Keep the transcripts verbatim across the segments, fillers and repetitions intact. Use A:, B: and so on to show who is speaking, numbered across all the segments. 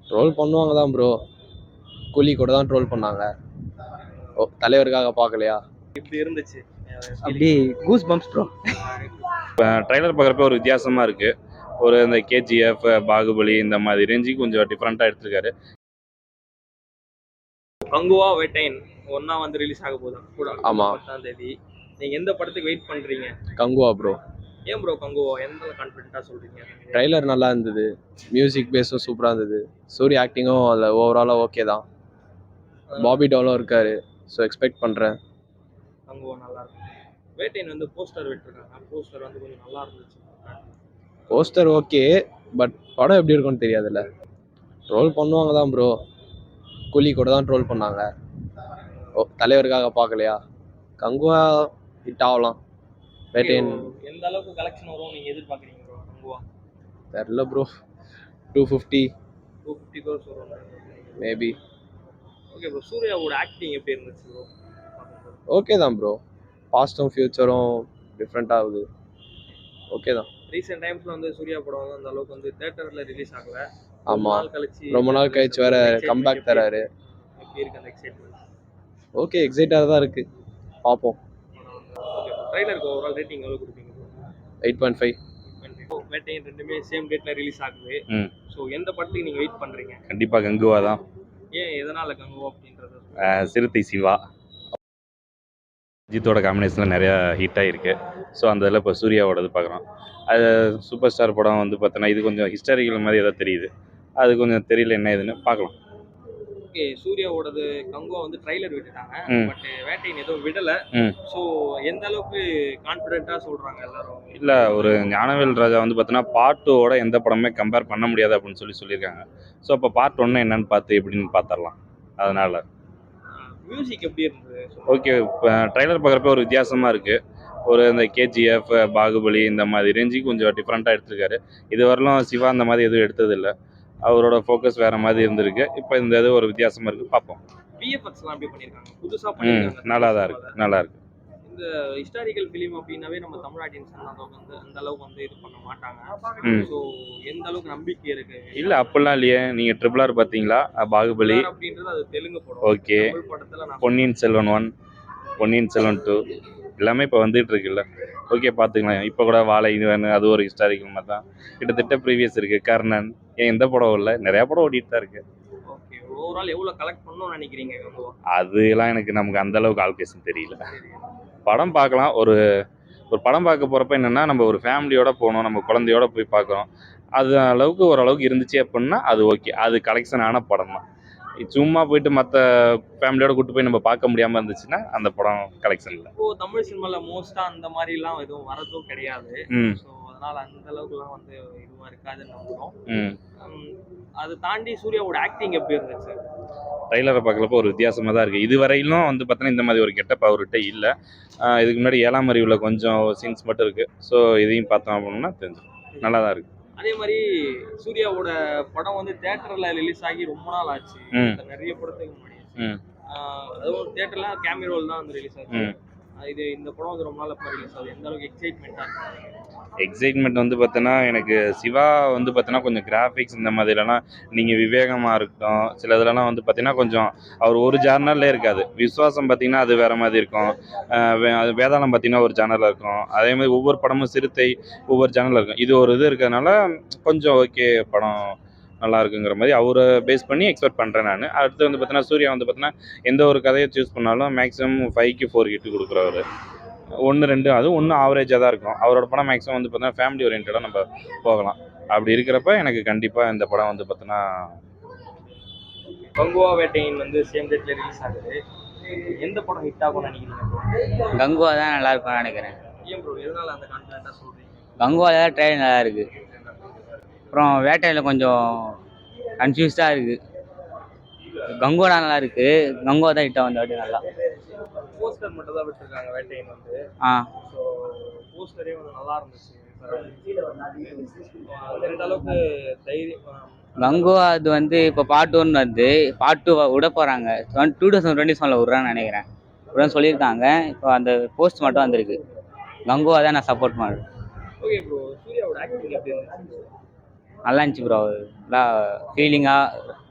A: Troll பண்ணுவாங்க தான் bro. கூலி கூட தான் ட்ரோல் பண்ணாங்க. ஓ தலைவருக்காக பார்க்கலையா?
B: இப்படி இருந்துச்சு
C: அப்படி கூஸ் பம்ப்ஸ் ப்ரோ.
D: ட்ரைலர் பார்க்குறப்ப ஒரு வித்தியாசமாக இருக்குது. ஒரு இந்த கேஜிஎஃப், பாகுபலி இந்த மாதிரி ரேஞ்சுக்கு கொஞ்சம் டிஃப்ரெண்ட்டாக எடுத்திருக்காரு.
B: கங்குவா வேட்டையன் ஒன்னா வந்து ரிலீஸ் ஆக போகுது.
A: ஆமா.
B: பத்தாம் தேதி நீங்க எந்த படத்துக்கு வெயிட் பண்றீங்க?
A: கங்குவா ப்ரோ.
B: ஏன் ப்ரோ கங்குவா? எந்த கான்ஃபிடென்ட்டா சொல்றீங்க?
A: ட்ரைலர் நல்லா இருந்தது, மியூசிக் பேஸும் சூப்பராக இருந்தது, சூரிய ஆக்டிங்கும் அதில் ஓவராலாக ஓகே தான். பாபி டோலும் இருக்காரு, ஸோ எக்ஸ்பெக்ட் பண்ணுறேன்.
B: கங்குவா நல்லா இருக்கு. வேட்டையன் வந்து போஸ்டர் விட்டுருக்காங்க, போஸ்டர் வந்து கொஞ்சம் நல்லா இருந்துச்சு.
A: போஸ்டர் ஓகே, பட் படம் எப்படி இருக்கும்னு தெரியாதுல்ல. ட்ரோல் பண்ணுவாங்க தான் ப்ரோ. கூலி கூட தான் ட்ரோல் பண்ணாங்க. ஓ தலைவருக்காக பார்க்கலையா? கங்குவா ஹிட் ஆகலாம். வேட்டையன்
B: எந்த அளவுக்கு கலெக்ஷன் வரும் நீங்க எதிர்பார்க்குறீங்க ப்ரோ? கங்குவா
A: தெரில bro. Two fifty
B: two fifty crores வரும்
A: மேபி.
B: Okay bro. சூர்யாவோட ஆக்டிங் எப்படி இருந்துச்சு ப்ரோ?
A: ஓகே தான் ப்ரோ. பாஸ்டும் ஃபியூச்சரும் டிஃப்ரெண்ட் ஆகுது. ஓகே தான்.
B: ரீசெண்ட் டைம்ஸ்ல வந்து சூர்யா படம் வந்து அந்த அளவுக்கு வந்து தியேட்டர்ல ரிலீஸ் ஆகல.
A: ஆமா,
B: நாள் கழிச்சு
A: ரொம்ப நாள் கழிச்சு வேற கம்பேக் தராரு.
B: எப்படி இருக்கு அந்த எக்ஸைட்மென்ட்?
A: ஓகே, எக்ஸைட்டாக தான் இருக்கு. பார்ப்போம்.
B: ஓகே. ட்ரைலருக்கு ஓவரால் ரேட்டிங் எவ்வளவு கொடுப்பீங்க bro?
A: Eight point five.
B: Vettaiyan ரெண்டுமே சேம் டேட்ல ரிலீஸ் ஆகுது.
D: ம்
B: ஸோ எந்த படத்துக்கு நீங்க வெயிட் பண்றீங்க?
D: கண்டிப்பாக கங்குவா தான்.
B: ஏன் எதனால கங்குவா அப்படின்றது?
D: அஹ் சிறுத்தை சிவா அஜித்தோட காம்பினேஷனில் நிறையா ஹிட் ஆகிருக்கு. ஸோ அந்த இதில் இப்போ சூர்யாவோடது பார்க்குறோம். அது சூப்பர் ஸ்டார் படம் வந்து பார்த்தோன்னா இது கொஞ்சம் ஹிஸ்டாரிக்கல் மாதிரி ஏதோ தெரியுது. அது கொஞ்சம் தெரியல என்ன ஏதுன்னு பார்க்கலாம்.
B: ஓகே. சூர்யாவோடது கங்குவா வந்து ட்ரைலர் விட்டுட்டாங்க,
D: ம்.
B: பட் வேட்டையன் எதுவும் விடல.
D: ம்
B: ஸோ எந்த அளவுக்கு கான்ஃபிடென்ட்டா சொல்றாங்க எல்லாரும்?
D: இல்லை, ஒரு ஞானவேல் ராஜா வந்து பார்த்தோன்னா பார்ட் டூவோட எந்த படமே கம்பேர் பண்ண முடியாது அப்படின்னு சொல்லி சொல்லியிருக்காங்க. ஸோ அப்போ பார்ட் ஒன்று என்னன்னு பார்த்து எப்படின்னு பார்த்துடலாம். அதனால்
B: மியூசிக் எப்படி இருந்தது?
D: ஓகே. இப்போ ட்ரைலர் பார்க்குறப்ப ஒரு வித்தியாசமாக இருக்குது. ஒரு இந்த கேஜிஎஃப், பாகுபலி இந்த மாதிரி ரேஞ்சுக்கு கொஞ்சம் டிஃப்ரெண்ட்டாக எடுத்திருக்காரு. இது வரலும் சிவா அந்த மாதிரி எதுவும் எடுத்ததில்லை. அவரோட ஃபோக்கஸ் வேறு மாதிரி இருந்திருக்கு. இப்போ இந்த இது ஒரு வித்தியாசமாக இருக்குது. பார்ப்போம்.
B: விஎஃப்எக்ஸ்லாம் எப்படி பண்ணியிருக்காங்க? புதுசா
D: ம்
B: பண்ணியிருக்காங்க.
D: நல்லா தான் இருக்குது, நல்லா இருக்குது.
B: இந்த ஹிஸ்டாரிக்கல் ஃபிலிம் அப்படின்னாவே நம்ம தமிழ் ஆடியன்ஸ் அந்த அளவுக்கு வந்து அந்த அளவுக்கு வந்து இது பண்ண மாட்டாங்க.
D: ம்
B: ஸோ எந்த அளவுக்கு நம்பிக்கை இருக்கு?
D: இல்லை அப்படிலாம் இல்லையே. நீங்கள் ட்ரிபிள் ஆர் பார்த்தீங்களா? பாகுபலி
B: அப்படின்றது அது தெலுங்கு படம்.
D: ஓகே.
B: தமிழ் படத்துல நான்
D: பொன்னியின் செல்வன் ஒன், பொன்னியின் செல்வன் டூ எல்லாமே இப்போ வந்துட்டு இருக்குல்ல. ஓகே, பார்த்துக்கலாம். இப்போ கூட வாழை இது வேணும், அது ஒரு ஹிஸ்டாரிக்கல் மாதிரி தான். கிட்டத்தட்ட ப்ரீவியஸ் இருக்குது. கர்ணன் ஏன் எந்த படம் இல்லை, நிறையா படம் ஓடிட்டு தான் இருக்குது.
B: ஓகே. ஓவரால் எவ்வளவு கலெக்ட் பண்ணணும்னு நினைக்கிறீங்க கங்குவா?
D: அதெல்லாம் எனக்கு நமக்கு அந்த அளவுக்கு ஆல்கேஷன் தெரியல. படம் பார்க்கலாம். ஒரு ஒரு படம் பார்க்க போகிறப்ப என்னென்னா நம்ம ஒரு ஃபேமிலியோட போகணும், நம்ம குழந்தையோட போய் பார்க்குறோம். அது அளவுக்கு ஓரளவுக்கு இருந்துச்சு அப்படின்னா அது ஓகே, அது கலெக்ஷன் ஆன படம் தான். சும்மா போயிட்டு மற்ற ஃபேமிலியோட கூட்டு போய் நம்ம பார்க்க முடியாமல் இருந்துச்சுன்னா அந்த படம் கலெக்ஷன் இல்லை.
B: இப்போ தமிழ் சினிமால மோஸ்டா அந்த மாதிரிலாம் எதுவும் வரதும் கிடையாது.
D: ம்
B: ஸோ அதனால அந்த அளவுக்குலாம் வந்து இதுவா இருக்காதுன்னு நம்புறோம்.
D: ம்
B: உம், அது தாண்டி சூர்யாவோட ஆக்டிங் எப்படி இருந்துச்சு?
D: ட்ரைலரை பார்க்குறப்போ ஒரு வித்தியாசமாக தான் இருக்குது. இது வரையிலும் வந்து பார்த்தோன்னா இந்த மாதிரி ஒரு கெட்டப் அவர்கிட்ட இல்லை. ஆஹ் இதுக்கு முன்னாடி ஏழாம் அறிவில் கொஞ்சம் சீன்ஸ் மட்டும் இருக்குது. ஸோ இதையும் பார்த்தோம் அப்படின்னா தெரிஞ்சிடும், நல்லா தான் இருக்குது.
B: அதே மாதிரி சூர்யாவோட படம் வந்து தியேட்டர்ல ரிலீஸ் ஆகி ரொம்ப நாள் ஆச்சு.
D: ம்.
B: இந்த நிறைய படத்துக்கு முன்னாடி
D: ம்
B: ஆஹ் அதுவும் தியேட்டர்ல கேமிரோல் தான் வந்து ரிலீஸ் ஆச்சு.
D: ம்
B: ஆஹ் இது இந்த படம் வந்து ரொம்ப நாள் அப்புறம் ரிலீஸ் ஆகுது. எந்த அளவுக்கு எக்ஸைட்மெண்ட்டாக இருக்கு?
D: எக்ஸைட்மெண்ட் வந்து பார்த்தோன்னா எனக்கு சிவா வந்து பார்த்தோன்னா கொஞ்சம் கிராஃபிக்ஸ் இந்த மாதிரிலாம் நீங்கள் விவேகமாக இருக்கட்டும், சில இதுலலாம் வந்து பார்த்தீங்கன்னா கொஞ்சம் அவர் ஒரு ஜானர்லே இருக்காது. விஸ்வாசம் பார்த்தீங்கன்னா அது வேறு மாதிரி இருக்கும். அஹ் வே அது வேதாளம் பார்த்தீங்கன்னா ஒரு ஜானரில் இருக்கும். அதே மாதிரி ஒவ்வொரு படமும் சிறுத்தை ஒவ்வொரு ஜானரில் இருக்கும். இது ஒரு இது இருக்கிறதுனால கொஞ்சம் ஓகே, படம் நல்லா இருக்குங்கிற மாதிரி அவரை பேஸ் பண்ணி எக்ஸ்பெக்ட் பண்ணுறேன் நான். அடுத்து வந்து பார்த்தீங்கன்னா சூர்யா வந்து பார்த்தீங்கன்னா எந்த ஒரு கதையை சூஸ் பண்ணாலும் மேக்ஸிமம் ஃபைவ்க்கு ஃபோர் கிட்டு கொடுக்குறவர். ஒன்று ரெண்டு அதுவும் ஒன்று ஆவரேஜாக தான் இருக்கும். அவரோட படம் மேக்ஸிமம் வந்து பார்த்தீங்கன்னா ஃபேமிலி ஓரியன்டாக நம்ம போகலாம். அப்படி இருக்கிறப்ப எனக்கு கண்டிப்பாக இந்த படம் வந்து பார்த்தீங்கன்னா
B: கங்குவா வேட்டையன் வந்து சேம் டேட்ல ரிலீஸ் ஆகுது. எந்த படம் ஹிட் ஆகும்னு நினைக்கிறீங்க bro?
C: கங்குவா தான் நல்லா இருக்கும்னு நினைக்கிறேன்.
B: ஏன் ப்ரோ எதனால அந்த கான்ஃபிடென்ட்டா சொல்றீங்க?
C: கங்குவா தான் ட்ரெயின் நல்லா இருக்கு. அப்புறம் வேட்டையில் கொஞ்சம் கன்ஃபியூஸ்டாக இருக்கு. கங்குவா நல்லா இருக்கு. கங்குவா தான் ஹிட்டாக வந்து அப்படி நல்லா.
B: போஸ்டர் மட்டும் தான் விட்டுருக்காங்க வேட்டையன் வந்து.
C: ஆ
B: ஸோ போஸ்டரே வந்து நல்லா இருந்துச்சு. அது ரெண்டு அளவுக்கு தைரியம்.
C: கங்குவா அது வந்து இப்போ பார்ட் ஒன் வந்து பார்ட் டூ விட போகிறாங்க. டூ தௌசண்ட் டுவெண்ட்டி செவனில் விட்றான்னு நினைக்கிறேன். விட்றான்னு சொல்லியிருக்காங்க. இப்போ அந்த போஸ்ட் மட்டும் வந்திருக்கு. கங்குவா தான் நான் சப்போர்ட் பண்ணுறேன்.
B: Okay bro. சூர்யாவோட ஆக்டிங் எப்படி இருந்துச்சு?
C: நல்லா இருந்துச்சு ப்ரோ. நல்லா ஃபீலிங்காக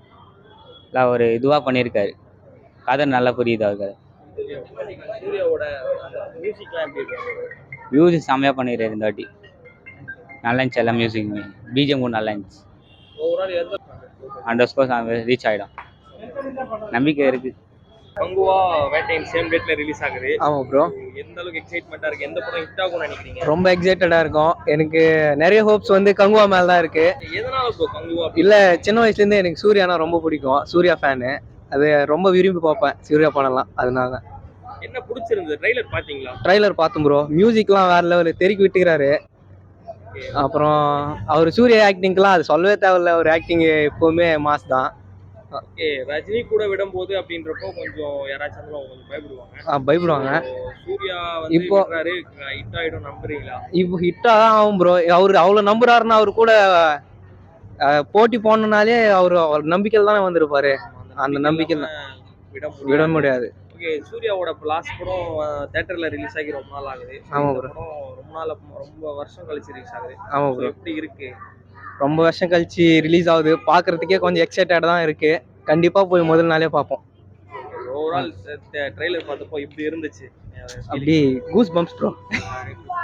C: இல்லை ஒரு இதுவாக பண்ணியிருக்காரு. கதை நல்லா புரியுது அவருக்கு.
B: சூர்யாவோட மியூசிக்லாம் எப்படி இருக்கு?
C: மியூசிக் செம்மையாக பண்ணிடுறாரு இந்த வாட்டி. நல்லா இருந்துச்சு எல்லாம் மியூசிக்குமே. பிஜிஎம் கூட நல்லா இருந்துச்சு.
B: ஓவரால் எந்த
C: ஹண்ட்ரட் ஸ்கோர்ஸ் ரீச் ஆகிடும் நம்பிக்கை இருக்குது.
B: கங்குவா வேட்டையன் சேம் டேட்ல ரிலீஸ் ஆகுது.
E: ஆமாம் ப்ரோ,
B: எந்த அளவுக்கு எக்ஸைட்மெண்ட்டாக இருக்கு? எந்த படம் ஹிட் ஆகும்னு நினைக்கிறீங்க?
E: ரொம்ப எக்ஸைட்டடாக இருக்கும். எனக்கு நிறைய ஹோப்ஸ் வந்து கங்குவா மேலே தான் இருக்குது.
B: எதனால ப்ரோ கங்குவா?
E: இல்லை, சின்ன வயசுலேருந்தே எனக்கு சூர்யானா ரொம்ப பிடிக்கும். சூர்யா ஃபேனு. அது ரொம்ப விரும்பி பார்ப்பேன் சூர்யா படம்லாம். அதனால தான்.
B: என்ன பிடிச்சிருந்தது? ட்ரைலர் பார்த்தீங்களா?
E: ட்ரைலர் பார்த்தோம் ப்ரோ. மியூசிக்லாம் வேறு லெவலில் தெருக்கி விட்டுக்கிறாரு. அப்புறம் அவர் சூர்யா ஆக்டிங்க்கெலாம் அது சொல்லவே தேவையில்ல. ஒரு ஆக்டிங் எப்போவுமே மாஸ் தான்.
B: ஓகே, ரஜினி கூட விடும்போது அப்படின்றப்போ கொஞ்சம் யாராச்சும் கொஞ்சம் பயப்படுவாங்க.
E: ஆ, பயப்படுவாங்க.
B: சூர்யா வந்து
E: இப்போ
B: ஹிட் ஆயிடும் நம்புறீங்களா?
E: இப்போ ஹிட்டாக தான் ஆகும் ப்ரோ. அவர் அவ்வளோ நம்புறாருன்னா அவர் கூட அஹ், போட்டி போனனாலே அவர் அவர் நம்பிக்கையில் தானே வந்திருப்பாரு. அந்த நம்பிக்கை
B: விட
E: விட முடியாது.
B: ஓகே, சூர்யாவோட லாஸ்ட் படம் தியேட்டர்ல ரிலீஸ் ஆகி ரொம்ப நாள் ஆகுது.
E: ஆமா
B: இந்த
E: bro.
B: படம் ரொம்ப நாள் ரொம்ப வருஷம் கழிச்சு ரிலீஸ் ஆகுது.
E: ஆமாம்
B: So,
E: ப்ரோ,
B: எப்படி இருக்கு?
E: ரொம்ப வருஷம் கழிச்சு ரிலீஸ் ஆகுது. பார்க்கறதுக்கே கொஞ்சம் எக்ஸைட்டட் தான் இருக்கு. கண்டிப்பாக போய் முதல் நாளே பார்ப்போம்.
B: ஓவரால் ட்ரெய்லர் பார்த்தப்போ இப்படி இருந்துச்சு.
E: அப்படி கூஸ் பம்ப்ஸ் ப்ரோ.